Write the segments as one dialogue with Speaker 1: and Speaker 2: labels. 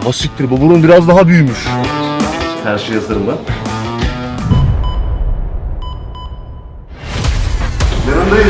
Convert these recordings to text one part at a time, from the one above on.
Speaker 1: Ha siktir, bu burun biraz daha büyümüş. Her şey hazır mı? Yanındayız.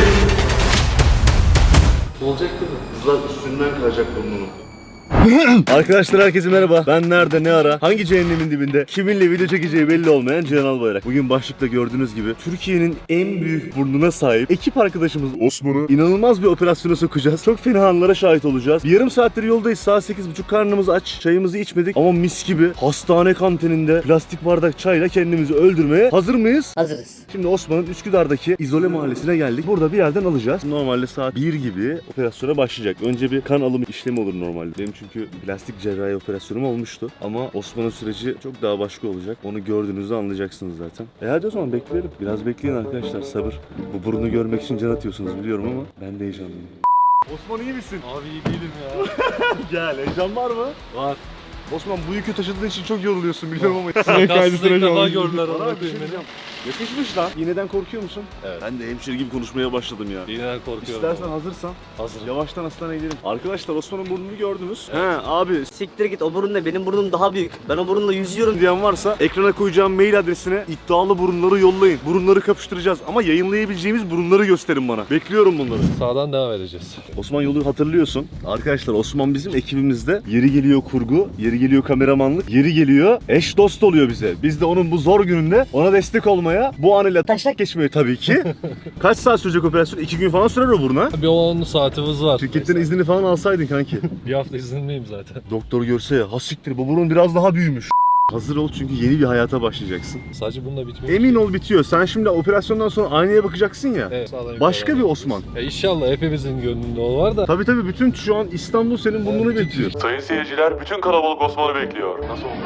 Speaker 2: Olacak değil mi?
Speaker 1: Kızlar üstünden kayacak burnunu. Arkadaşlar herkese merhaba. Ben nerede, ne ara, hangi cehennemin dibinde, kiminle video çekeceği belli olmayan Cihan Albayrak. Bugün başlıkta gördüğünüz gibi Türkiye'nin en büyük burnuna sahip ekip arkadaşımız Osman'ı inanılmaz bir operasyona sokacağız. Çok fena anlara şahit olacağız. Bir yarım saattir yoldayız. Saat 8.30, karnımız aç. Çayımızı içmedik ama mis gibi hastane kantininde plastik bardak çayla kendimizi öldürmeye hazır mıyız?
Speaker 3: Hazırız.
Speaker 1: Şimdi Osman'ın Üsküdar'daki İzole Mahallesi'ne geldik. Burada bir yerden alacağız. Normalde saat 1 gibi operasyona başlayacak. Önce bir kan alımı işlemi olur normalde. Benim çünkü plastik cerrahi operasyonum olmuştu. Ama Osman'ın süreci çok daha başka olacak. Onu gördüğünüzde anlayacaksınız zaten. Hadi o zaman bekleyelim. Biraz bekleyin arkadaşlar, sabır. Bu burnu görmek için can atıyorsunuz biliyorum ama ben de heyecanlıyım. Osman iyi misin?
Speaker 2: Abi iyi değilim ya.
Speaker 1: Gel, heyecan var mı?
Speaker 2: Var.
Speaker 1: Osman bu yükü taşıdığın için çok yoruluyorsun biliyorum ama.
Speaker 2: Kaçsızda ilk defa gördüler
Speaker 1: Bana
Speaker 2: onu
Speaker 1: bir şey
Speaker 2: beni.
Speaker 1: diyeceğim. Yakışmış lan. İğneden korkuyor musun? Evet. Ben de hemşire gibi konuşmaya başladım ya.
Speaker 2: İğneden korkuyorum.
Speaker 1: İstersen hazırsan
Speaker 2: Hazırım.
Speaker 1: yavaştan hastaneye gidelim. Arkadaşlar Osman'ın burnunu gördünüz. He abi
Speaker 3: Siktir git, o burun ne? Benim burnum daha büyük. Ben o burunla yüzüyorum.
Speaker 1: diyen varsa ekrana koyacağım mail adresine iddialı burunları yollayın. Burunları kapıştıracağız ama yayınlayabileceğimiz burunları gösterin bana. Bekliyorum bunları.
Speaker 2: Sağdan devam edeceğiz.
Speaker 1: Osman yolu hatırlıyorsun. Arkadaşlar Osman bizim ekibimizde. Yeri geliyor kurgu, yeri geliyor kameramanlık, yeri geliyor eş dost oluyor bize. Biz de onun bu zor gününde ona destek olmaya, bu anıyla taşak geçmeye tabii ki. Kaç saat sürecek operasyon? 2 gün falan sürer o buruna.
Speaker 2: Bir 10 saatimiz var.
Speaker 1: Şirketten iznini falan alsaydın kanki.
Speaker 2: Bir hafta izinliyim zaten.
Speaker 1: Doktor görse ya, ha siktir bu burun biraz daha büyümüş. Hazır ol çünkü yeni bir hayata başlayacaksın.
Speaker 2: Sadece bununla bitmiyor.
Speaker 1: Emin ol bitiyor. Sen şimdi operasyondan sonra aynaya bakacaksın ya.
Speaker 2: Evet, sağdan
Speaker 1: Başka bir
Speaker 2: yukarı.
Speaker 1: Osman.
Speaker 2: İnşallah hepimizin gönlünde o var da.
Speaker 1: Tabii bütün şu an İstanbul senin burnunu
Speaker 2: Evet,
Speaker 1: bekliyor.
Speaker 4: Sayın seyirciler, bütün kalabalık Osman'ı bekliyor. Nasıl oldu?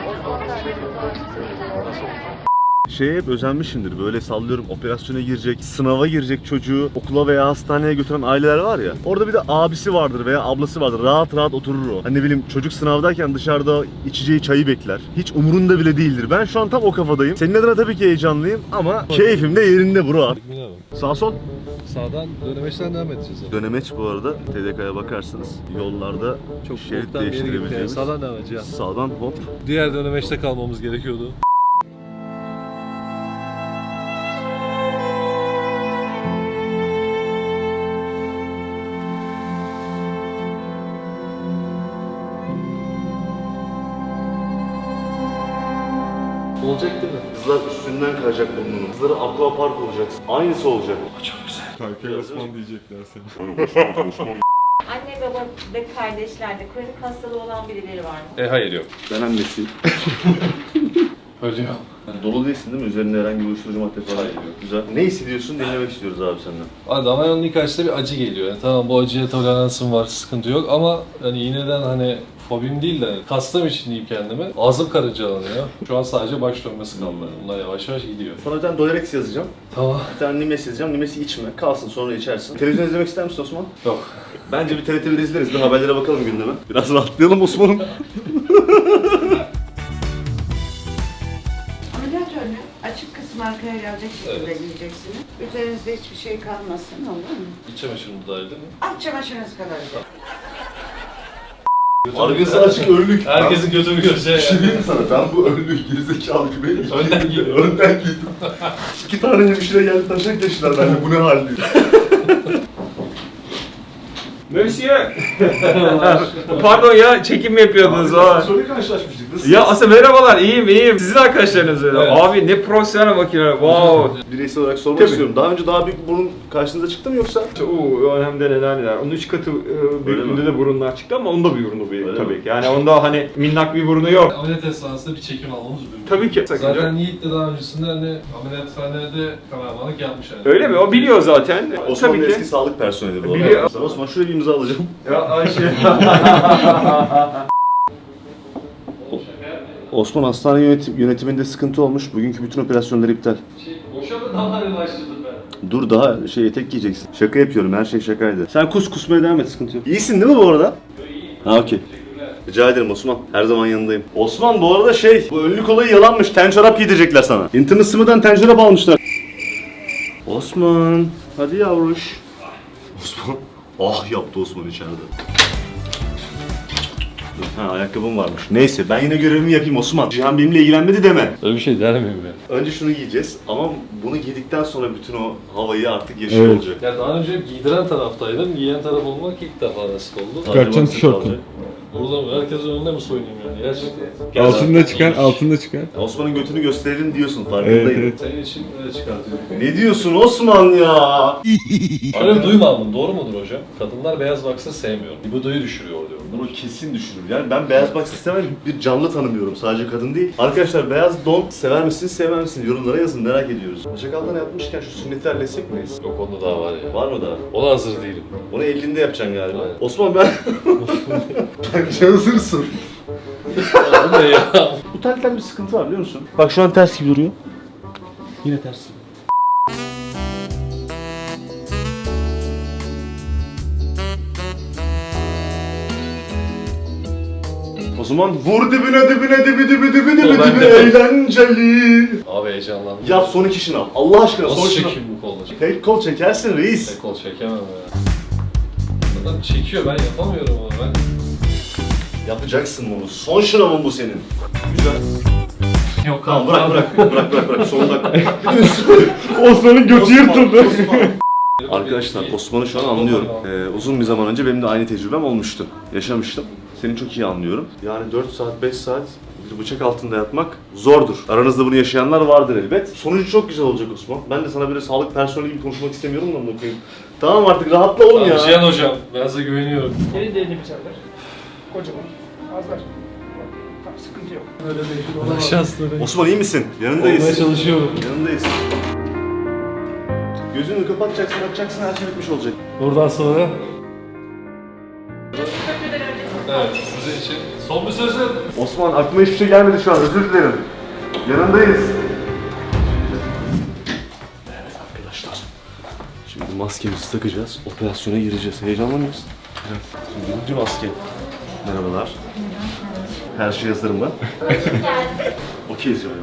Speaker 1: Şeye hep özenmişimdir, böyle sallıyorum, operasyona girecek, sınava girecek çocuğu okula veya hastaneye götüren aileler var ya. Orada bir de abisi vardır veya ablası vardır. Rahat rahat oturur o. Hani ne bileyim, çocuk sınavdayken dışarıda içeceği çayı bekler. Hiç umurunda bile değildir. Ben şu an tam o kafadayım. Senin adına tabii ki heyecanlıyım ama keyfim de yerinde bro.
Speaker 2: Bilmiyorum.
Speaker 1: Sağ sol.
Speaker 2: Sağdan dönemeçten devam edeceğiz. Yani.
Speaker 1: Dönemeç bu arada, TDK'ya bakarsanız yollarda
Speaker 2: Çok
Speaker 1: şerit
Speaker 2: boktan bir yere gitti. Yani.
Speaker 1: değiştirebileceğimiz.
Speaker 2: Sağdan devam edeceğiz.
Speaker 1: Sağdan hop.
Speaker 2: Diğer dönemeçte kalmamız gerekiyordu. Olacak değil mi?
Speaker 1: Kızlar üstünden kayacak burnunu. Kızlara aqua park olacaksın. Aynısı olacak.
Speaker 4: Kalkay Osman diyecekler seni.
Speaker 5: Anne baba ve kardeşlerde kronik hastalığı olan birileri var mı?
Speaker 2: Hayır yok.
Speaker 1: Ben annesiyim.
Speaker 2: Ölüyor.
Speaker 1: Dolu değilsin değil mi? Üzerinde herhangi bir uyuşturucu madde falan yok. Güzel. Ne hissediyorsun? Dinlemek istiyoruz abi senden.
Speaker 2: Damarın ilk açta bir acı geliyor. Yani tamam, bu acıya toleransım var, sıkıntı yok ama hani yineden hani fobim değil de kastım için diyeyim kendime. Ağzım karıncalanıyor. Şu an sadece baş dönmesi kaldı. Bunlar yavaş yavaş gidiyor.
Speaker 1: Sana bir tane Dolerex yazacağım.
Speaker 2: Tamam.
Speaker 1: Bir tane Nimes yazacağım. Nimes'i içme. Kalsın, sonra içersin. Televizyon izlemek ister misin Osman?
Speaker 2: Yok.
Speaker 1: Bence bir TRT1 izleriz. Bir haberlere bakalım gündeme. Biraz rahatlayalım Osman'ım.
Speaker 6: Ameliyat önü açık kısmı arkaya gelecek şekilde giyeceksiniz. Üzerinizde hiçbir şey kalmasın, olur mu?
Speaker 2: İç çamaşırım dahil değil mi?
Speaker 6: Alt çamaşırınız kadar.
Speaker 1: Arkası açık önlük.
Speaker 2: Herkesin götünü göreceği yani.
Speaker 1: Diyeyim mi sana? Ben bu önlüğü gerizekalı gibi
Speaker 2: Önden giydim.
Speaker 1: önden giydim. 2 tane hemşire geldi taşak geçtiler benimle. Bu ne hal diyor.
Speaker 7: Monsieur. Pardon ya, çekim mi yapıyordunuz?
Speaker 1: Sonra karşılaşmıştık. Nasıl?
Speaker 7: Ya aslında merhabalar, iyiyim. Sizin arkadaşlarınız öyle.
Speaker 2: Evet.
Speaker 7: Abi ne profesyonel makineler. Wow.
Speaker 1: Bireysel olarak sormak
Speaker 7: Tabii.
Speaker 1: istiyorum. Daha önce daha büyük burun karşınıza çıktı mı yoksa?
Speaker 7: Hem de neler. Onun 3 katı büyüklüğünde
Speaker 1: mi?
Speaker 7: de burunlar çıktı ama onda bir burunu büyük
Speaker 1: Öyle
Speaker 7: tabii
Speaker 1: mi?
Speaker 7: ki. Yani onda hani minnak bir burunu yok.
Speaker 2: Ameliyat esnasında bir çekim almamız mümkün.
Speaker 7: Tabii ki.
Speaker 2: Zaten Yiğit de daha öncesinde hani ameliyathanede kameramanlık yapmış yani.
Speaker 7: Öyle mi? O biliyor zaten.
Speaker 1: Osman'ın
Speaker 7: Tabii
Speaker 1: eski
Speaker 7: ki.
Speaker 1: sağlık personeli bu.
Speaker 7: Biliyor.
Speaker 1: arada. Osman şuraya bir imza alacağım.
Speaker 7: Ya Ayşe.
Speaker 1: Osman, hastane yönetiminde sıkıntı olmuş. Bugünkü bütün operasyonlar iptal.
Speaker 2: Boşa mı damarı başladım ben?
Speaker 1: Dur, daha etek giyeceksin. Şaka yapıyorum, her şey şakaydı. Sen kusmaya devam et, sıkıntı yok. İyisin değil mi bu arada? Ha okey. Rica ederim Osman. Her zaman yanındayım. Osman bu arada bu önlük olayı yalanmış. Ten çorap giydirecekler sana. İnternet sımıdan ten çorap almışlar. Osman. Hadi yavruş. Osman. Ah yaptı Osman içeride. yoktu. Ha, ayakkabım varmış. Neyse ben yine görevimi yapayım Osman. Cihan benimle ilgilenmedi deme.
Speaker 2: Öyle bir şey der miyim ya?
Speaker 1: Önce şunu giyeceğiz ama bunu giydikten sonra bütün o havayı artık yaşıyor olacak.
Speaker 2: Ya daha önce giydiren taraftaydım, giyen taraf olmak ilk defa nasip oldu.
Speaker 4: Çıkartacaksın tişörtünü.
Speaker 2: Burada herkesin önünde mi soyunayım yani? Gerçekten.
Speaker 4: Altında çıkar, altında çıkar.
Speaker 1: Osman'ın götünü gösterelim diyorsun farkındayım.
Speaker 4: Evet, evet.
Speaker 2: Senin için öyle çıkartıyorum.
Speaker 1: Ne diyorsun Osman ya?
Speaker 2: Öyle duymam, doğru mudur hocam? Kadınlar beyaz baksa sevmiyor. Libidoyu düşürüyor diyorlar.
Speaker 1: Bunu kesin düşürür. Yani ben beyaz box istemem, bir canlı tanımıyorum. Sadece kadın değil. Arkadaşlar beyaz don sever misiniz, sevmez misiniz? Yorumlara yazın, merak ediyoruz. Bacak altına yapmışken şu sünneti halletsek miyiz?
Speaker 2: Yok onda daha var ya.
Speaker 1: Var mı daha?
Speaker 2: Ona hazır değilim.
Speaker 1: Onu 50'inde yapacaksın galiba.
Speaker 2: Aynen.
Speaker 1: Osman ben... Bence hazırsın.
Speaker 2: Bu ne ya?
Speaker 1: Bu telden bir sıkıntı var biliyor musun? Bak şu an ters gibi duruyor. Yine ters. O zaman vur dibine dibine dibi eğlenceli.
Speaker 2: Abi heyecanlandım.
Speaker 1: Yap son iki şınav. Allah aşkına son
Speaker 2: Nasıl
Speaker 1: şınav.
Speaker 2: çekeyim bu kolda?
Speaker 1: Tek kol çekersin reis.
Speaker 2: Tek kol çekemem ya. Adam çekiyor, ben yapamıyorum onu ben.
Speaker 1: Yapacaksın bunu. Son şınavın bu senin. Güzel.
Speaker 2: Yok
Speaker 1: Tamam bırak. Son dakika.
Speaker 4: Osman'ın götü yırtıldı.
Speaker 1: Arkadaşlar Osman'ı şu an anlıyorum. Uzun bir zaman önce benim de aynı tecrübem olmuştu. Yaşamıştım. Seni çok iyi anlıyorum. Yani 4 saat, 5 saat bir bıçak altında yatmak zordur. Aranızda bunu yaşayanlar vardır elbet. Sonucu çok güzel olacak Osman. Ben de sana böyle sağlık personeli gibi konuşmak istemiyorum da bunu okuyayım. Tamam artık rahatla oğlum ya.
Speaker 2: Cihan hocam, ben size güveniyorum.
Speaker 8: Derin derin nefes alır. Kocaman. Az ver. Tamam, sıkıntı yok. Öyle bir şey
Speaker 2: Şansları.
Speaker 1: Osman iyi misin? Yanındayız.
Speaker 2: Olmaya çalışıyorum.
Speaker 1: Yanındayız. Gözünü kapatacaksın, açacaksın, her şey bitmiş olacak.
Speaker 2: Buradan sonra... Evet, sizin için son bir sözüm.
Speaker 1: Osman aklıma hiçbir şey gelmedi şu an, özür dilerim. Yanındayız. Evet arkadaşlar. Şimdi maskemizi takacağız, operasyona gireceğiz. Heyecanlı mıyız? Evet. Şimdi birinci maske. Merhabalar. Her şey hazır mı? Okeyiz yani.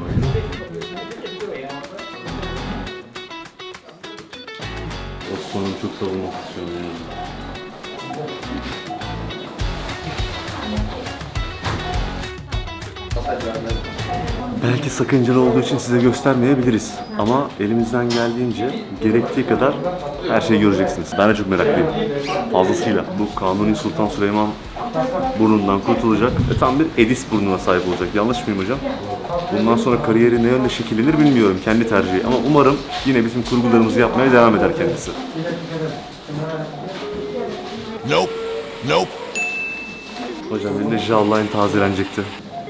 Speaker 1: Osman'ım çok savunmak istiyorum yani. Belki sakıncalı olduğu için size göstermeyebiliriz. Ama elimizden geldiğince gerektiği kadar her şeyi göreceksiniz. Ben de çok meraklıyım. Fazlasıyla. Bu Kanuni Sultan Süleyman burnundan kurtulacak ve tam bir Edis burnuna sahip olacak. Yanlış mıyım hocam? Bundan sonra kariyeri ne yönde şekillenir bilmiyorum. Kendi tercihi. Ama umarım yine bizim kurgularımızı yapmaya devam eder kendisi. Nope. Hocam benim de jawline tazelenecekti.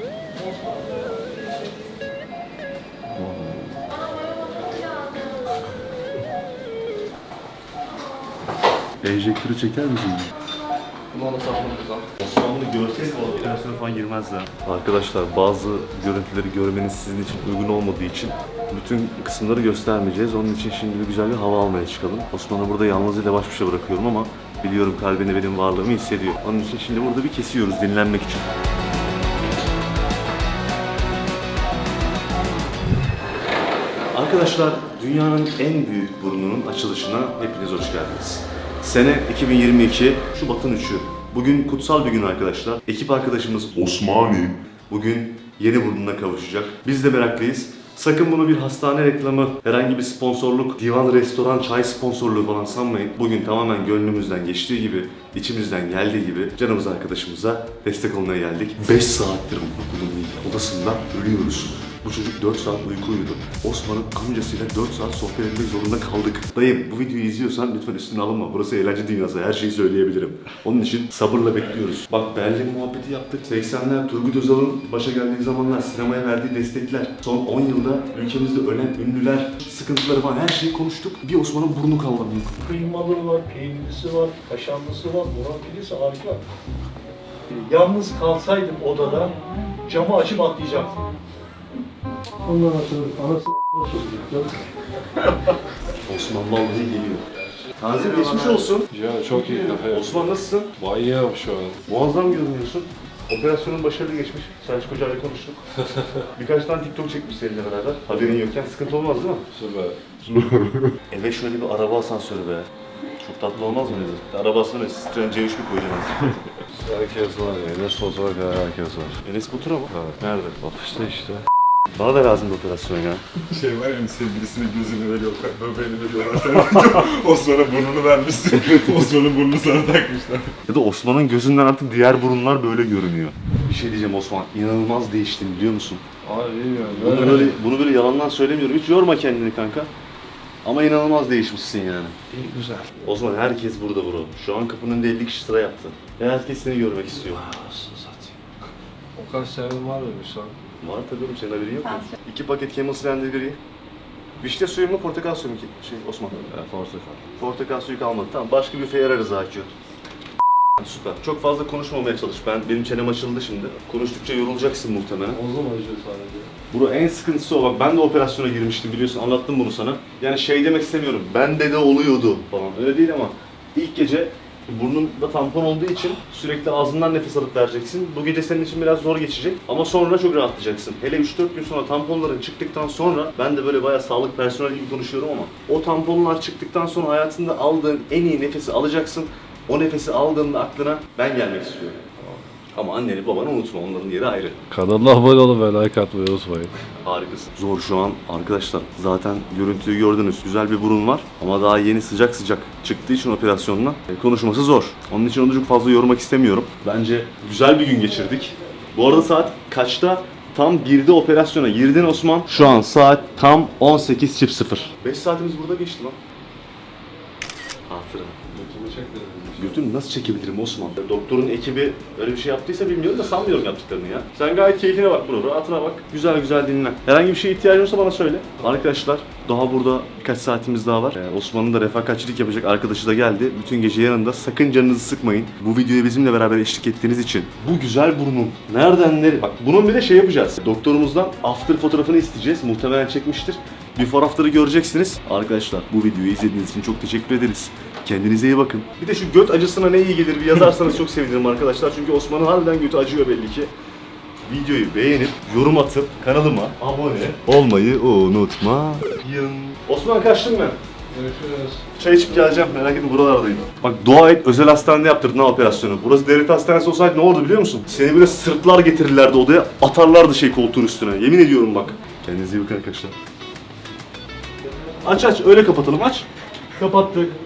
Speaker 1: Enjektörü çeker misin? Bunu ona saplamamız lazım. Osman bunu görseydi o operasyona falan girmezdi. Arkadaşlar bazı görüntüleri görmeniz sizin için uygun olmadığı için bütün kısımları göstermeyeceğiz. Onun için şimdi bir güzel bir hava almaya çıkalım. Osman'ı burada yalnızıyla baş başa bırakıyorum ama biliyorum kalbinde benim varlığımı hissediyor. Onun için şimdi burada bir kesiyoruz dinlenmek için. Arkadaşlar dünyanın en büyük burnunun açılışına hepiniz hoş geldiniz. Sene 2022, Şubat'ın 3'ü. Bugün kutsal bir gün arkadaşlar. Ekip arkadaşımız Osmani bugün yeni burnuna kavuşacak. Biz de meraklıyız. Sakın bunu bir hastane reklamı, herhangi bir sponsorluk, divan, restoran, çay sponsorluğu falan sanmayın. Bugün tamamen gönlümüzden geçtiği gibi, içimizden geldiği gibi canımız arkadaşımıza destek olmaya geldik. 5 saattir bunun odasında ölüyoruz. Bu çocuk 4 saat uyku uyudu. Osman'ın amcasıyla 4 saat sohbet etmek zorunda kaldık. Dayım bu videoyu izliyorsan lütfen üstüne alınma. Burası eğlence dünyası. Her şeyi söyleyebilirim. Onun için sabırla bekliyoruz. Bak Berlin muhabbeti yaptık. 80'ler Turgut Özal'ın başa geldiği zamanlar sinemaya verdiği destekler. Son 10 yılda ülkemizde ölen ünlüler, sıkıntıları falan her şeyi konuştuk. Bir Osman'ın burnu kaldı.
Speaker 8: Kıymalı var, peynirlisi var, kaşarlısı var, murakilisi harika. Yalnız kalsaydım odada camı açıp atlayacaktım. Ondan sonra anası
Speaker 1: Osman vallahi geliyor. Tanzim geçmiş olsun.
Speaker 2: Cihan çok iyi kafa.
Speaker 1: Osman nasılsın?
Speaker 2: Bayağı şu an.
Speaker 1: Muazzam görünüyorsun. Operasyonun başarılı geçmiş. Selçuk Hoca'yla konuştuk. Birkaç tane TikTok çekmiş seninle beraber. Haberin yokken sıkıntı olmaz değil mi?
Speaker 2: Süper.
Speaker 1: Eve şöyle bir araba asansörü be. Çok tatlı olmaz mı dedi? Arabasına ne? Citroen C3 mi koyacaksın?
Speaker 2: Herkes var ya. Enes Batur'a kadar herkes var.
Speaker 1: Enes Batur'a mı?
Speaker 2: Evet.
Speaker 1: Nerede?
Speaker 2: Ofiste işte.
Speaker 1: Bana da lazım bir operasyon ya.
Speaker 4: Şey var ya sevgilisine gözünü veriyor, böbreğini veriyorlar. Osman'a burnunu vermişsin. Osman'ın burnunu sana takmışlar.
Speaker 1: Ya da Osman'ın gözünden artık diğer burunlar böyle görünüyor. Bir şey diyeceğim Osman, inanılmaz değiştin biliyor musun?
Speaker 2: Abi bilmiyorum.
Speaker 1: Bunu böyle yalandan söylemiyorum. Hiç yorma kendini kanka. Ama inanılmaz değişmişsin yani.
Speaker 2: İyi güzel.
Speaker 1: Osman herkes burada bro. Şu an kapının önünde 50 kişi sıra yaptı. Ve herkes seni görmek istiyor.
Speaker 2: Nasıl satayım? O kadar sevim var mıymış lan?
Speaker 1: Var tabii oğlum, senin haberin yok mu? 2 paket Camel Slender Gri. Vişne suyu mu, portakal suyu mu ki? Osman.
Speaker 2: Portakal.
Speaker 1: Portakal suyu kalmadı. Tamam, başka bir büfe ararız Akü. Süper. Çok fazla konuşmamaya çalış. Benim çenem açıldı şimdi. Konuştukça yorulacaksın muhtemelen.
Speaker 2: Omzum acıyor sadece.
Speaker 1: Bro en sıkıntısı o. Bak ben de operasyona girmiştim biliyorsun. Anlattım bunu sana. Yani şey demek istemiyorum. Bende de oluyordu falan. Öyle değil ama ilk gece burnunda tampon olduğu için sürekli ağzından nefes alıp vereceksin. Bu gece senin için biraz zor geçecek ama sonra çok rahatlayacaksın. Hele 3-4 gün sonra tamponların çıktıktan sonra, ben de böyle bayağı sağlık personeli gibi konuşuyorum ama o tamponlar çıktıktan sonra hayatında aldığın en iyi nefesi alacaksın. O nefesi aldığında aklına ben gelmek istiyorum. Ama anneni babanı unutma, onların yeri ayrı.
Speaker 2: Kanalına abone olun ve like atmayı unutmayın.
Speaker 1: Harikasın. Zor şu an arkadaşlar. Zaten görüntüyü gördünüz. Güzel bir burun var ama daha yeni sıcak sıcak çıktığı için operasyonla konuşması zor. Onun için onu çok fazla yormak istemiyorum. Bence güzel bir gün geçirdik. Bu arada saat kaçta? Tam 1'de operasyona girdin Osman. Şu an saat tam 18.00. 5 saatimiz burada geçti lan. Hatıra. Götünü nasıl çekebilirim Osman? Doktorun ekibi öyle bir şey yaptıysa bilmiyorum da sanmıyorum yaptıklarını ya. Sen gayet keyfine bak bro, rahatına bak. Güzel güzel dinlen. Herhangi bir şeye ihtiyacın olursa bana söyle. Arkadaşlar daha burada birkaç saatimiz daha var. Osman'ın da refakatçilik yapacak arkadaşı da geldi. Bütün gece yanında, sakın canınızı sıkmayın. Bu videoya bizimle beraber eşlik ettiğiniz için. Bu güzel burnun nereden nereye? Bak bunun bir de şey yapacağız. Doktorumuzdan after fotoğrafını isteyeceğiz. Muhtemelen çekmiştir. Before after'ı göreceksiniz. Arkadaşlar bu videoyu izlediğiniz için çok teşekkür ederiz. Kendinize iyi bakın. Bir de şu göt acısına ne iyi gelir bir yazarsanız çok sevinirim arkadaşlar. Çünkü Osman'ın harbiden götü acıyor belli ki. Videoyu beğenip, yorum atıp kanalıma abone olmayı unutmayın. Osman kaçtım ben.
Speaker 2: Görüşürüz.
Speaker 1: Çay içip geleceğim, merak etme buralardayım. Bak dua et, özel hastanede yaptırdın ha operasyonu. Burası devlet hastanesi olsaydı ne olurdu biliyor musun? Seni böyle sırtlar getirirlerdi odaya, atarlardı koltuğun üstüne. Yemin ediyorum bak. Kendinize iyi bakın arkadaşlar. Aç öyle kapatalım, aç. Kapattık.